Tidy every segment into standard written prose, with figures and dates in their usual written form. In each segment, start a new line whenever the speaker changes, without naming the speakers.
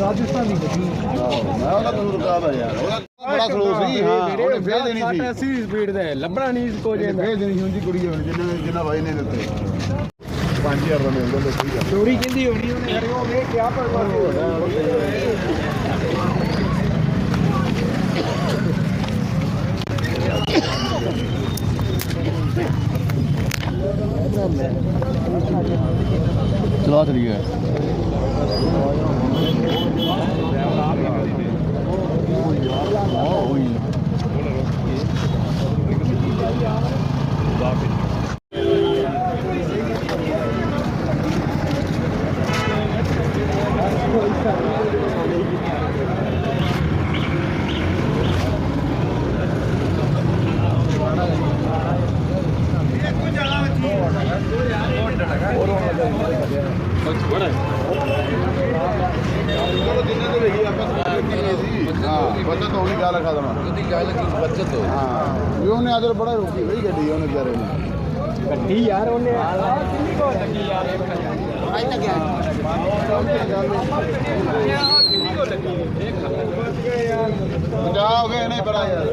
ਰਾਜਸਥਾਨੀ ਗੱਡੀ
ਮੈਂ ਉਹਦਾ ਤੁਹਾਨੂੰ ਰੁਕਾਦਾ ਯਾਰ ਉਹਦਾ ਬੜਾ ਸਲੋ ਸੀ। ਹਾਂ ਉਹਨੇ ਫੇਰ ਦੇਣੀ ਸੀ
80 ਸਪੀਡ ਦੇ ਲੱਭਣਾ ਨਹੀਂ ਕੋ ਜੇ
ਫੇਰ ਦੇਣੀ ਸੀ ਉਹਦੀ ਕੁੜੀ ਹੋਣੀ ਜਿੰਨਾ ਬਾਈ ਨੇ ਦਿੱਤੇ 5000 ਦਾ ਮਿਲ ਜਾਂਦਾ ਸਹੀ ਗੱਲ
ਚੋਰੀ ਕਹਿੰਦੀ ਹੋਣੀ ਉਹਨੇ ਯਾਰ ਉਹ ਵੇਖ ਕਿਆ
ਚਲਾ ਚਲੀ ਗਿਆ बचत होनी क्या रखा था बचत हो हाँ उन्हें अदर बड़ा रोकी भाई गड्डी उन्हें बेचारे ने
गड्डी यार उन्हें लगी यार
जाओ गए नहीं बड़ा यार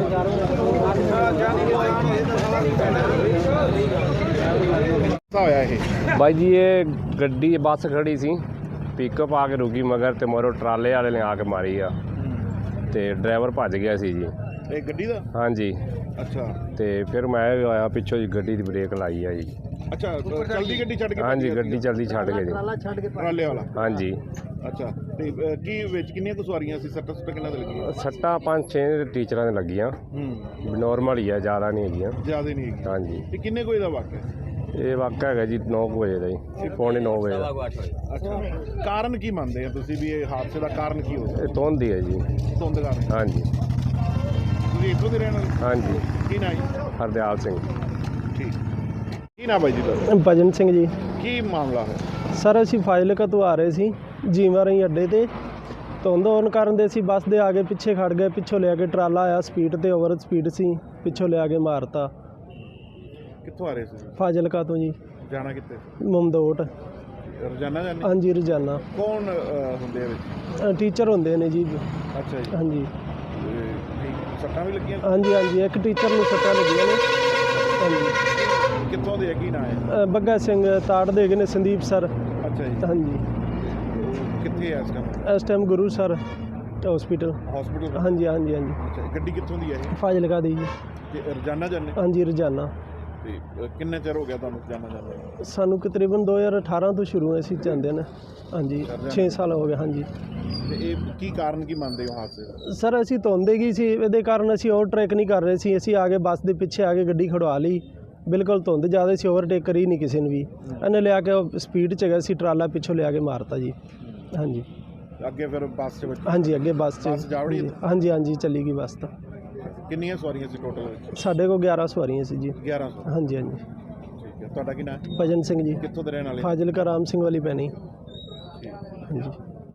होया ये
भाई जी ये गड्डी बस खड़ी सी पिकअप आके रुकी मगर ते मोरो ट्राले वाले ने आके मारी आ ते ड्राइवर भज गया सी जी
एक गड्डी दा
हाँ जी
अच्छा
ते फिर मैं आया पिछों जी गड्डी दी ब्रेक लाई आ जी
अच्छा चलदी गड्डी छड़ के
हाँ जी गड्डी चलदी छड़ के जी
ट्राले वाला
हाँ जी
अच्छा ते की विच किन्नियां कुछ सवारियां सी सट्टा सुट्टा किन्ना लगी
सट्टा 5-6 टीचरां ने लगियां नॉर्मल ही है ज़्यादा नहीं हैगियां
ज़्यादा नहीं है
हाँ जी
ते किन्ने कोई दा वाक़या
ये वाक़ा है जी 9 बजे का जी 9:45 बजे
अच्छा कारण की मानते हैं तुसी भी ये हादसे का कारण की हो
ये धुंध ही है जी
धुंध कारण
हाँ जी
तुसी इधरों दे रहने
हाँ जी
की ना जी
हरदयाल सिंह
ठीक की ना भाई जी ਤੁਹਾਡਾ
ਭਜਨ ਸਿੰਘ ਜੀ
ਕੀ ਮਾਮਲਾ ਹੈ
ਸਰ ਅਸੀਂ ਫਾਜ਼ਿਲਕਾ ਤੋਂ ਆ ਰਹੇ ਸੀ ਜੀਵਾ ਰਹੀ ਅੱਡੇ ਤੇ ਧੁੰਦ ਹੋਣ ਕਾਰਨ ਦੇ ਅਸੀਂ ਬੱਸ ਦੇ ਆਗੇ ਪਿੱਛੇ ਖੜ ਗਏ ਪਿੱਛੋਂ ਲਿਆ ਕੇ ਟਰਾਲਾ ਆਇਆ ਸਪੀਡ ਤੇ ਓਵਰ ਸਪੀਡ ਸੀ ਪਿੱਛੋਂ ਲਿਆ ਕੇ ਮਾਰਤਾ
ਕਿੱਥੋਂ ਆ ਰਹੇ ਸੀ
ਫਾਜ਼ਿਲਕਾ ਤੋਂ ਜੀ
ਜਾਣਾ ਕਿੱਥੇ
ਮਮਦੋਟ
ਰੋਜ਼ਾਨਾ ਜਾਂਦੇ
ਹਾਂਜੀ ਰੋਜ਼ਾਨਾ
ਕੌਣ ਹੁੰਦੇ ਆ ਵਿੱਚ
ਟੀਚਰ ਹੁੰਦੇ ਨੇ ਜੀ
ਅੱਛਾ ਜੀ
ਹਾਂਜੀ
ਸੱਟਾਂ ਵੀ ਲੱਗੀਆਂ
ਹਾਂਜੀ ਹਾਂਜੀ ਇੱਕ ਟੀਚਰ ਨੂੰ ਸੱਟਾਂ ਲੱਗੀਆਂ ਨੇ ਹਾਂਜੀ
ਕਿੱਥੋਂ ਦੇ ਕੀ ਨਾਂ ਹੈ
ਬੱਗਾ ਸਿੰਘ ਤਾੜ ਦੇ ਗਏ ਨੇ ਸੰਦੀਪ ਸਰ
ਅੱਛਾ ਜੀ
ਹਾਂਜੀ
ਕਿੱਥੇ ਹੈ
ਇਸ time Guru sir hospital
hospital
ਹਾਂਜੀ ਹਾਂਜੀ ਹਾਂਜੀ
ਅੱਛਾ ਗੱਡੀ ਕਿੱਥੋਂ ਦੀ ਹੈ ਇਹ
ਫਾਜ਼ਿਲਕਾ ਦੀ ਜੀ
ਤੇ ਰੋਜ਼ਾਨਾ ਜਾਂਦੇ
ਹਾਂਜੀ ਰੋਜ਼ਾਨਾ
ਤੇ ਕਿੰਨੇ ਚਿਰ ਹੋ ਗਿਆ ਤੁਹਾਨੂੰ ਰੋਜ਼ਾਨਾ ਜਾਂਦੇ
ਸਾਨੂੰ ਤਕਰੀਬਨ 2018 ਤੋਂ ਸ਼ੁਰੂ ਹੋਏ ਸੀ ਜਾਂਦੇ ਨੇ ਹਾਂਜੀ 6 ਸਾਲ ਹੋ ਗਏ ਹਾਂਜੀ
ਤੇ ਇਹ ਕੀ ਕਾਰਨ ਕੀ ਮੰਨਦੇ ਹੋ ਹਾਦਸੇ ਦਾ
ਸਰ ਅਸੀਂ ਧੁੰਦੇ ਗਈ ਸੀ ਇਹਦੇ ਕਾਰਨ ਅਸੀਂ ਓਵਰਟੇਕ ਨਹੀਂ ਕਰ ਰਹੇ ਸੀ ਅਸੀਂ ਆਗੇ ਬੱਸ ਦੇ ਪਿੱਛੇ ਆ ਕੇ ਗੱਡੀ ਖੜਵਾ ਲਈ ਬਿਲਕੁਲ ਧੁੰਦ ਜ਼ਿਆਦਾ ਸੀ ਓਵਰਟੇਕ ਕਰੀ ਨਹੀਂ ਕਿਸੇ ਨੇ ਵੀ ਇਹਨੇ ਲਿਆ ਕੇ ਸਪੀਡ 'ਚ ਗਿਆ ਸੀ ਟਰਾਲਾ ਪਿੱਛੋਂ ਲਿਆ ਕੇ ਮਾਰਤਾ ਜੀ ਹਾਂਜੀ
ਅੱਗੇ ਫਿਰ ਬੱਸ 'ਚ
ਹਾਂਜੀ ਅੱਗੇ ਬੱਸ 'ਚ ਹਾਂਜੀ ਹਾਂਜੀ ਚੱਲੀ ਗਈ ਬੱਸ ਤਾਂ
ਕਿੰਨੀਆਂ ਸਵਾਰੀਆਂ ਸੀ ਟੋਟਲ
ਸਾਡੇ ਕੋਲ 11 ਸਵਾਰੀਆਂ ਸੀ ਜੀ
1100
ਹਾਂਜੀ ਹਾਂਜੀ
ਠੀਕ ਹੈ ਤੁਹਾਡਾ ਕੀ ਨਾਮ
ਭਜਨ ਸਿੰਘ ਜੀ
ਕਿੱਥੋਂ ਦੇ ਰਹਿਣ ਵਾਲੇ
ਫਾਜ਼ਿਲਕਾ ਰਾਮ ਸਿੰਘ ਵਾਲੀ ਪੈਣੀ
ਠੀਕ
ਹਾਂਜੀ